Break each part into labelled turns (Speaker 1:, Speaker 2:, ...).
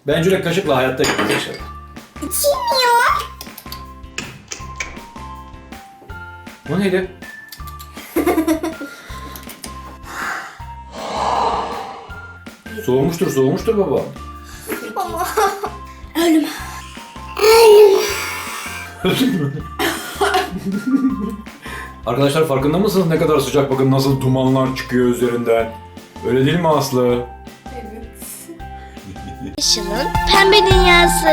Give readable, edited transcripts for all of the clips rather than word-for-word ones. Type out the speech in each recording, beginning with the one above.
Speaker 1: Bence öyle kaşıkla hayatta gitmez inşallah.
Speaker 2: İçilmiyor.
Speaker 1: Bu neydi? Soğumuştur baba.
Speaker 2: Ölüm.
Speaker 1: Arkadaşlar farkında mısınız ne kadar sıcak, bakın nasıl dumanlar çıkıyor üzerinden. Öyle değil mi Aslı?
Speaker 3: Evet.
Speaker 2: Işıl'ın pembe dünyası.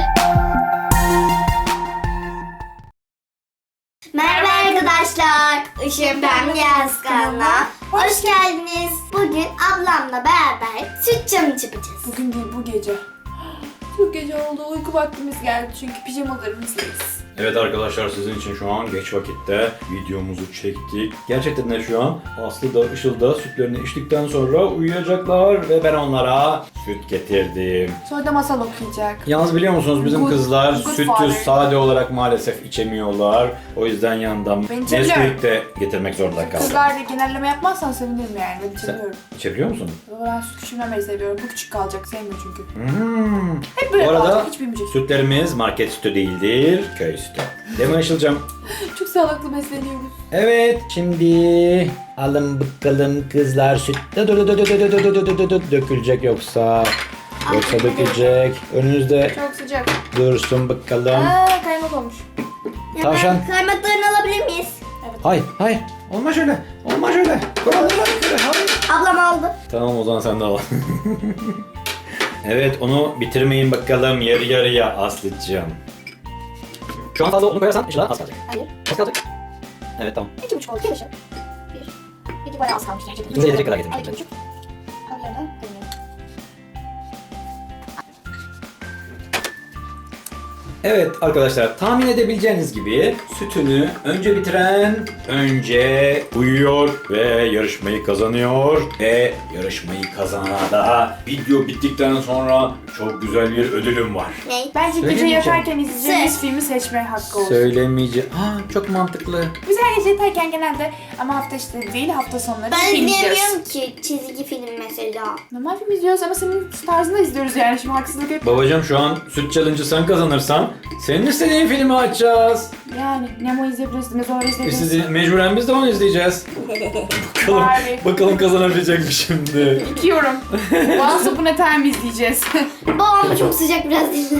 Speaker 2: Merhaba arkadaşlar. Işıl'ın pembe dünyası kanalına hoş geldiniz. Bugün ablamla beraber süt challenge yapacağız.
Speaker 3: Bugün değil, bu gece. Çok gece oldu, uyku vaktimiz geldi çünkü pijamalarımızdayız.
Speaker 1: Evet arkadaşlar, sizin için şu an geç vakitte videomuzu çektik. Gerçekten de şu an Aslı da Işıl da sütlerini içtikten sonra uyuyacaklar ve ben onlara süt getirdim.
Speaker 3: Sonra da masal okuyacak.
Speaker 1: Yalnız biliyor musunuz bizim
Speaker 3: Good-
Speaker 1: kızlar
Speaker 3: good
Speaker 1: sütü
Speaker 3: father.
Speaker 1: sade olarak maalesef içemiyorlar. O yüzden yanından
Speaker 3: Ben içebiliyorum.
Speaker 1: Nesquik de getirmek zorunda kaldım.
Speaker 3: Kızlar da genelleme yapmazsan sevinirim yani. Ben içemiyorum.
Speaker 1: İçebiliyor musun?
Speaker 3: Ben süt küçülmemeyi seviyorum. Bu küçük kalacak, sevmiyorum çünkü. Hep
Speaker 1: Bu
Speaker 3: böyle
Speaker 1: arada
Speaker 3: kalacak, hiç büyümeyecek.
Speaker 1: sütlerimiz market sütü değildir, köy sütü. Değil mi Işıl'cığım?
Speaker 3: Çok sağlıklı besleniyoruz.
Speaker 1: Evet, şimdi alın bakalım kızlar, süt dökülecek yoksa dökülecek. Önünüzde
Speaker 3: Çok sıcak.
Speaker 1: dursun bakalım.
Speaker 3: Kaymak olmuş.
Speaker 1: Tavşan.
Speaker 2: Kaymaklarını alabilir miyiz?
Speaker 1: Hayır, olmaz öyle, olmaz öyle. Kurallara göre, hayır.
Speaker 2: Ablam aldı.
Speaker 1: Tamam, o zaman sen de al. Evet, onu bitirmeyin bakalım yarı yarıya Aslı'cığım. Şu an fazla onu koyarsan Işıl'a az kalacak.
Speaker 2: Hayır.
Speaker 1: Az kalacak. Evet, tamam.
Speaker 2: 2,5 oldu. Kim Işıl? 1. Bayağı az kalmış gerçekten.
Speaker 1: İkimize yetecek kadar getirmiş.
Speaker 2: Al 2,5. Al yerden. Koyuyorum.
Speaker 1: Evet arkadaşlar, tahmin edebileceğiniz gibi sütünü önce bitiren önce uyuyor ve yarışmayı kazanıyor. Ve yarışmayı kazanana da video bittikten sonra çok güzel bir ödülüm var.
Speaker 2: Ne?
Speaker 3: Bence gece
Speaker 1: Söylemeyeceğim.
Speaker 3: yatarken izleyeceğimiz filmi seçme hakkı olsun.
Speaker 1: Söylemeyeceğim. Çok mantıklı.
Speaker 3: Biz her gece yatarken genelde ama hafta içleri değil hafta sonları
Speaker 2: Ben
Speaker 3: film izliyoruz.
Speaker 2: izleyemiyorum ki çizgi film mesela.
Speaker 3: Normal film izliyoruz ama senin tarzında izliyoruz yani şimdi haksızlık et.
Speaker 1: Babacığım, şu an süt challenge'ı sen kazanırsan senin istediğin filmi açacağız.
Speaker 3: Yani Nemo izleyebiliriz, Dinozor izleyebiliriz.
Speaker 1: Mecburen biz de onu izleyeceğiz. Bakalım,
Speaker 3: Barbie.
Speaker 1: bakalım kazanabilecek mi şimdi?
Speaker 3: İki yorum. Once Upon a Time izleyeceğiz.
Speaker 2: Babam çok sıcak biraz dinlensin.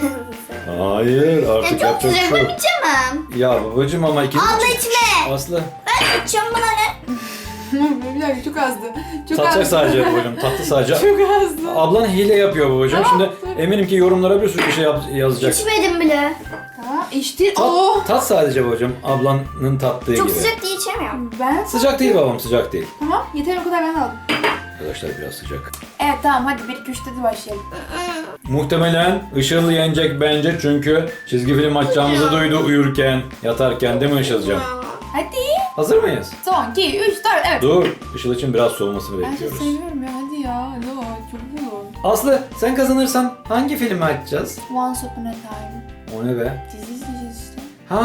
Speaker 1: Hayır,
Speaker 2: Ya
Speaker 1: artık
Speaker 2: çok
Speaker 1: yapacak
Speaker 2: sıcak
Speaker 1: bir şey
Speaker 2: ben
Speaker 1: yok.
Speaker 2: içemem.
Speaker 1: Ya babacığım ama ikimiz
Speaker 2: Abla
Speaker 1: için-
Speaker 2: içme.
Speaker 1: Aslı.
Speaker 2: Ben içiyorum bana ne?
Speaker 3: Bir dakika çok azdı. Çok
Speaker 1: Tatacak
Speaker 3: azdı.
Speaker 1: sadece babacığım, tatlı sadece.
Speaker 3: Çok azdı.
Speaker 1: Ablan hile yapıyor babacığım.
Speaker 3: Tamam.
Speaker 1: Şimdi eminim ki yorumlara bir sürü bir şey yazacak.
Speaker 2: İçmedim bile.
Speaker 3: Tamam içti. Oh.
Speaker 1: Tat sadece babacığım, ablanın tattığı
Speaker 2: Çok
Speaker 1: gibi.
Speaker 2: sıcak diye içemiyorum.
Speaker 3: Ben
Speaker 1: Sıcak değil babam, sıcak değil.
Speaker 3: tamam yeter o kadar ben aldım.
Speaker 1: Arkadaşlar biraz sıcak.
Speaker 3: Evet tamam hadi 1 2 3 dedi başlayalım.
Speaker 1: Muhtemelen Işıl yenecek bence, çünkü çizgi film açacağımızı duydu uyurken, yatarken, değil mi Işıl'cığım?
Speaker 3: Hadi.
Speaker 1: Hazır mıyız?
Speaker 3: Son 2 3 4 evet.
Speaker 1: Dur, Işıl için biraz soğumasını
Speaker 3: Ben çok
Speaker 1: bekliyoruz.
Speaker 3: seviyorum ya hadi ya. No, çok uzun.
Speaker 1: Aslı, sen kazanırsan hangi filmi açacağız?
Speaker 3: Once Upon a Time.
Speaker 1: O ne be?
Speaker 3: Dizi izleyeceğiz işte.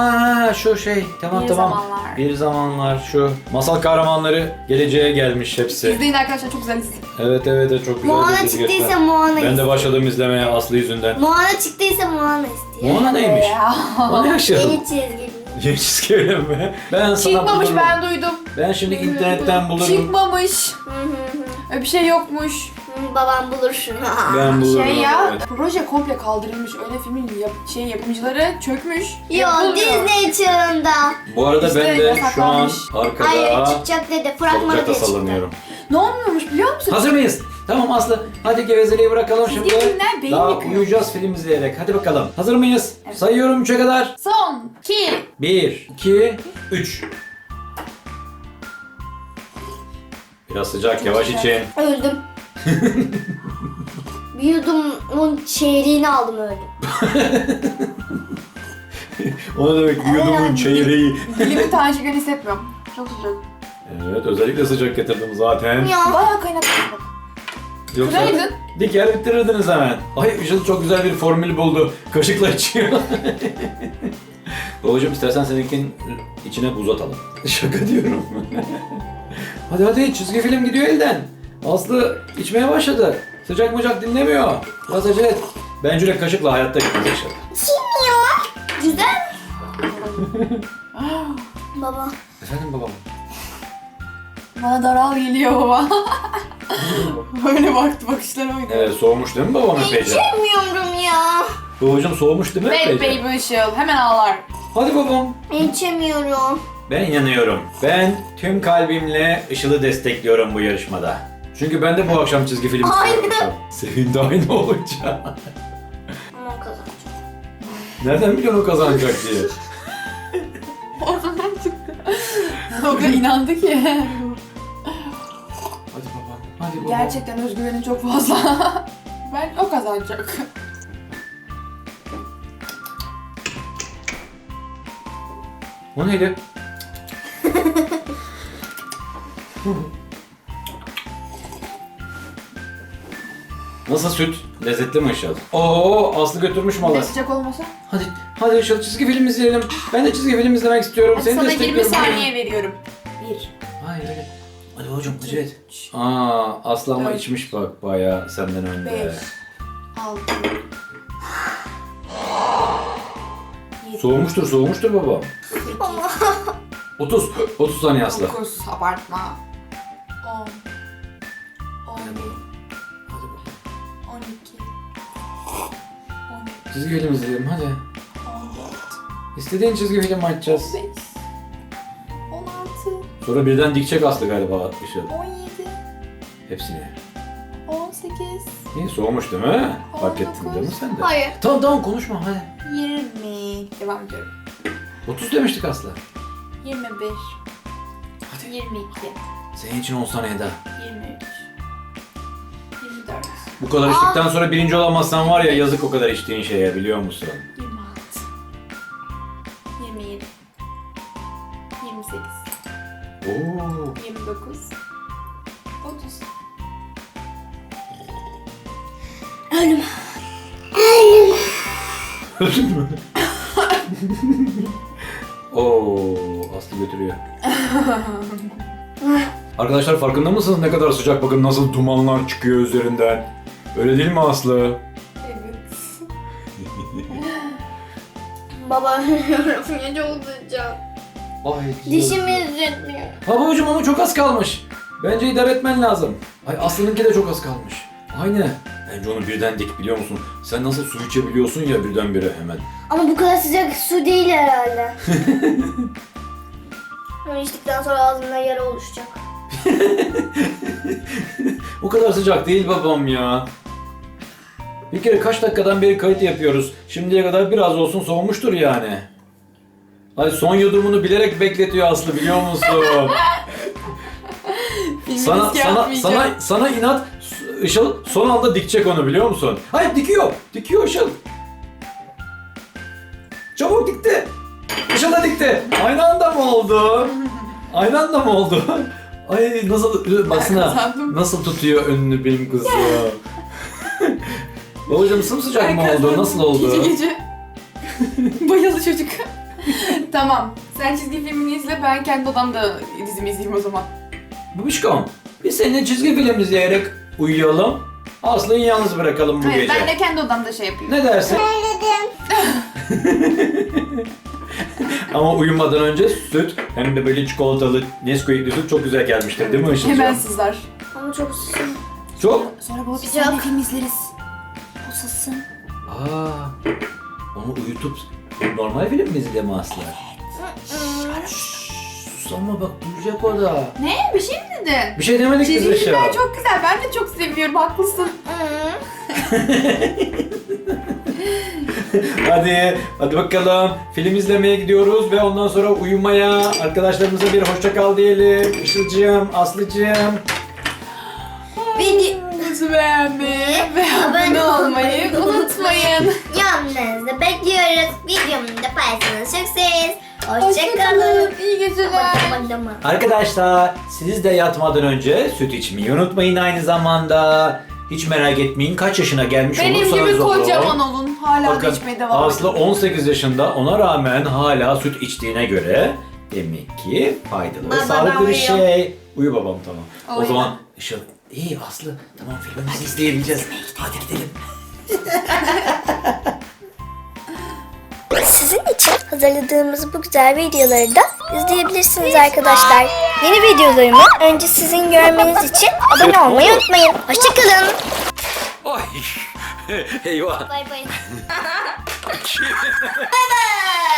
Speaker 1: Ha şu şey, tamam
Speaker 3: Bir
Speaker 1: tamam.
Speaker 3: Zamanlar.
Speaker 1: Bir zamanlar şu masal kahramanları geleceğe gelmiş hepsi.
Speaker 3: İzleyin arkadaşlar çok güzel dizi.
Speaker 1: Evet çok güzel
Speaker 2: Moana
Speaker 1: bir dizi
Speaker 2: çıktıysa
Speaker 1: gerçekten.
Speaker 2: Moana
Speaker 1: Ben de
Speaker 2: istiyorum.
Speaker 1: başladım izlemeye Aslı yüzünden.
Speaker 2: Moana çıktıysa Moana istiyorum.
Speaker 1: Moana neymiş?
Speaker 3: Ya.
Speaker 1: O ne aşırı?
Speaker 2: Yeni çizgi film.
Speaker 1: Yeni çizgi film mi? Ben sana
Speaker 3: Çıkmamış
Speaker 1: bulurum.
Speaker 3: ben duydum.
Speaker 1: Ben şimdi internetten bulurum.
Speaker 3: Çıkmamış.
Speaker 2: Hı hı hı.
Speaker 3: Öyle bir şey yokmuş.
Speaker 2: Babam bulur şunu.
Speaker 1: Ben bulurum.
Speaker 3: Şey ya,
Speaker 1: evet.
Speaker 3: proje komple kaldırılmış. Öyle filmin yapımcıları çökmüş.
Speaker 2: Yok
Speaker 3: Yapılmıyor.
Speaker 2: Disney çağında.
Speaker 1: Bu arada
Speaker 3: İşte
Speaker 1: ben de şu an
Speaker 3: yasaklanmış.
Speaker 1: arkada
Speaker 2: Hayır çıkacak dedi. Fragmanı
Speaker 1: sokakta
Speaker 2: diye çıktı.
Speaker 1: sallanıyorum.
Speaker 3: Ne olmuyormuş biliyor musun?
Speaker 1: Hazır mıyız? Tamam Aslı, hadi gevezeliği bırakalım
Speaker 3: Çizgi
Speaker 1: şimdi.
Speaker 3: filmler beyin
Speaker 1: Daha
Speaker 3: yıkıyor.
Speaker 1: uyuyacağız film izleyerek. Hadi bakalım. Hazır mıyız?
Speaker 3: Evet.
Speaker 1: Sayıyorum 3'e kadar.
Speaker 3: Son 2
Speaker 1: 1, 2, 3. Biraz sıcak, yavaş
Speaker 3: sıcak.
Speaker 1: için.
Speaker 2: Öldüm. Bir yudumun çeyreğini aldım öldüm.
Speaker 1: O ne demek? Yudumun
Speaker 2: Evet.
Speaker 1: çeyreği.
Speaker 3: dilimi tanışırken hissetmiyorum. Çok sıcak.
Speaker 1: Evet, özellikle sıcak getirdim zaten.
Speaker 2: Ya.
Speaker 3: Bayağı kaynattım bak.
Speaker 1: Yoksa
Speaker 3: Kıraydın.
Speaker 1: diker bitirirdiniz hemen. Ay Işıl çok güzel bir formül buldu. Kaşıkla içiyor. Babacığım, istersen seninkinin içine buz atalım. Şaka diyorum. Hadi çizgi film gidiyor elden. Aslı içmeye başladı. Sıcak mıcak dinlemiyor. Biraz acele et. Bence de kaşıkla hayatta gitmez inşallah.
Speaker 2: Çimiyor. Güzel. Baba.
Speaker 1: Efendim babam.
Speaker 3: Bana daral geliyor baba. Öyle baktı, bakışlar oynuyor.
Speaker 1: Evet, soğumuş değil mi babam epeyce?
Speaker 2: İçemiyorum ya.
Speaker 1: Babacım soğumuş değil mi
Speaker 3: Bad
Speaker 1: epeyce?
Speaker 3: baby Işıl. Hemen ağlar.
Speaker 1: Hadi babam.
Speaker 2: İçemiyorum.
Speaker 1: Ben inanıyorum. Ben tüm kalbimle Işıl'ı destekliyorum bu yarışmada. Çünkü ben de bu akşam çizgi film
Speaker 2: Aynı.
Speaker 1: istiyorum. Senin de aynı olacak.
Speaker 2: Ama kazanacağım.
Speaker 1: Nereden biliyorsun o kazanacak diye?
Speaker 3: Oradan çıktı. O kadar inandı ki.
Speaker 1: Hadi babam. Hadi babam.
Speaker 3: Gerçekten özgüvenin çok fazla. Ben o kazanacak.
Speaker 1: O neydi? Nasıl süt? Lezzetli mi Işıl? Oo, Aslı götürmüş malı.
Speaker 3: Bir de sıcak olmasa.
Speaker 1: Hadi Işıl çizgi film izleyelim. Ben de çizgi film izlemek istiyorum.
Speaker 3: Hadi
Speaker 1: Seni
Speaker 3: sana 20
Speaker 1: destekliyorum.
Speaker 3: saniye veriyorum. 1.
Speaker 1: Hayır öyle. Hadi hocam acele et. Aslı ama
Speaker 3: Dört.
Speaker 1: içmiş bak bayağı senden önde.
Speaker 3: 5. 6.
Speaker 1: Soğumuştur babam. 30 saniye Aslı.
Speaker 3: 9. Abartma. 10. 11.
Speaker 1: Hadi bakalım.
Speaker 3: 12. 13.
Speaker 1: Çizgi film izleyelim hadi.
Speaker 3: 14.
Speaker 1: İstediğin çizgi film açacağız.
Speaker 3: 15. 16.
Speaker 1: Sonra birden dikecek Aslı galiba Işıl.
Speaker 3: 17.
Speaker 1: Hepsini.
Speaker 3: 18.
Speaker 1: İyi soğumuş değil mi? Fark ettin değil mi sen de?
Speaker 2: Hayır.
Speaker 1: Tamam konuşma hadi.
Speaker 3: 20. Devam ediyorum.
Speaker 1: 30 demiştik Aslı.
Speaker 3: 21.
Speaker 1: Hadi.
Speaker 3: 22.
Speaker 1: Senin için 10 saniye daha.
Speaker 3: 23. 24.
Speaker 1: Bu kadar içtikten sonra birinci olamazsan var ya yazık o kadar içtiğin şeye biliyor musun?
Speaker 3: 26. 27. 28.
Speaker 1: Oo.
Speaker 3: 29. 30.
Speaker 2: Ölüm.
Speaker 1: Öldün mü? Oo, Aslı götürüyor. Arkadaşlar farkında mısınız ne kadar sıcak, bakın nasıl dumanlar çıkıyor üzerinden. Öyle değil mi Aslı?
Speaker 3: Evet.
Speaker 2: Baba ölüyorum. Gece olacağım.
Speaker 1: Ay,
Speaker 2: Dişimi izletmiyor.
Speaker 1: Ha babacım ama çok az kalmış. Bence idare etmen lazım. Ay Aslı'nınki de çok az kalmış. Aynı. Bence onu birden dik biliyor musun? Sen nasıl su içebiliyorsun ya birdenbire hemen.
Speaker 2: Ama bu kadar sıcak su değil herhalde. Onu içtikten sonra ağzımda yara oluşacak.
Speaker 1: O kadar sıcak değil babam ya. Bir kere kaç dakikadan beri kayıt yapıyoruz. Şimdiye kadar biraz olsun soğumuştur yani. Ay son yudumunu bilerek bekletiyor Aslı biliyor musun? sana inat Işıl son anda dikecek onu biliyor musun? Hayır dikiyor. Dikiyor Işıl. Çabuk dikti. Işıl da dikti. Aynı anda mı oldu? Aynı anda mı oldu? Ay nasıl baksana.
Speaker 3: kazandım.
Speaker 1: Nasıl tutuyor önünü benim kızım. Babacım sımsıcak mı oldu? Nasıl oldu?
Speaker 3: Gece. Bayıldı çocuk. Tamam. Sen çizgi filmini izle, ben kendi odamda dizimi izleyeyim o zaman.
Speaker 1: Babişkom, biz seninle çizgi film izleyerek uyuyalım. Aslı'yı yalnız bırakalım bu
Speaker 3: Evet,
Speaker 1: gece.
Speaker 3: ben de kendi odamda şey yapayım.
Speaker 1: Ne dersin? Ama uyumadan önce süt hem de böyle çikolatalı Nesquik'li süt çok güzel gelmiştir değil mi Işıl'cığım?
Speaker 3: Hemen sızlar.
Speaker 2: Ama çok sıcak.
Speaker 1: Çok.
Speaker 3: Sonra baba biz
Speaker 2: Sıcak.
Speaker 3: seninle film izleriz. O sızsın.
Speaker 1: Onu uyutup normal film mi izleme Aslı? Sus ama bak duyacak o da.
Speaker 3: Ne? Bir şey mi dedin?
Speaker 1: Bir şey demedik biz
Speaker 3: Çizgi
Speaker 1: Işıl.
Speaker 3: filmler çok güzel. Ben de çok seviyorum. Haklısın.
Speaker 1: Hadi bakalım. Film izlemeye gidiyoruz ve ondan sonra uyumaya. Arkadaşlarımıza bir hoşça kal diyelim. Işıl'cığım, Aslı'cığım.
Speaker 3: Bizi beğenmeyi ve abone olmayı unutmayın.
Speaker 2: Yorumlarınızı bekliyoruz. Videomu da paylaşırsanız çok seviniriz. Hoşçakalın.
Speaker 3: İyi geceler.
Speaker 1: Arkadaşlar siz de yatmadan önce süt içmeyi unutmayın aynı zamanda. Hiç merak etmeyin kaç yaşına gelmiş
Speaker 3: Benim
Speaker 1: olursanız
Speaker 3: gibi
Speaker 1: olun.
Speaker 3: kocaman olun. Hala da
Speaker 1: Bakın
Speaker 3: içmeye devam edin.
Speaker 1: Aslı 18 yaşında ona rağmen hala süt içtiğine göre demek ki faydalı ve
Speaker 2: Baba,
Speaker 1: sağlıklı bir
Speaker 2: ben uyuyorum.
Speaker 1: şey. Uyu babam tamam. O
Speaker 3: Uyu.
Speaker 1: zaman Işıl İyi Aslı. Tamam filmimizi izleyemeyeceğiz. Hadi gidelim.
Speaker 2: Sizin için hazırladığımız bu güzel videoları da izleyebilirsiniz arkadaşlar. Yeni videolarımı önce sizin görmeniz için abone olmayı unutmayın. Hoşçakalın.
Speaker 1: Ay. Eyvah.
Speaker 2: Bay bay. Bay bay.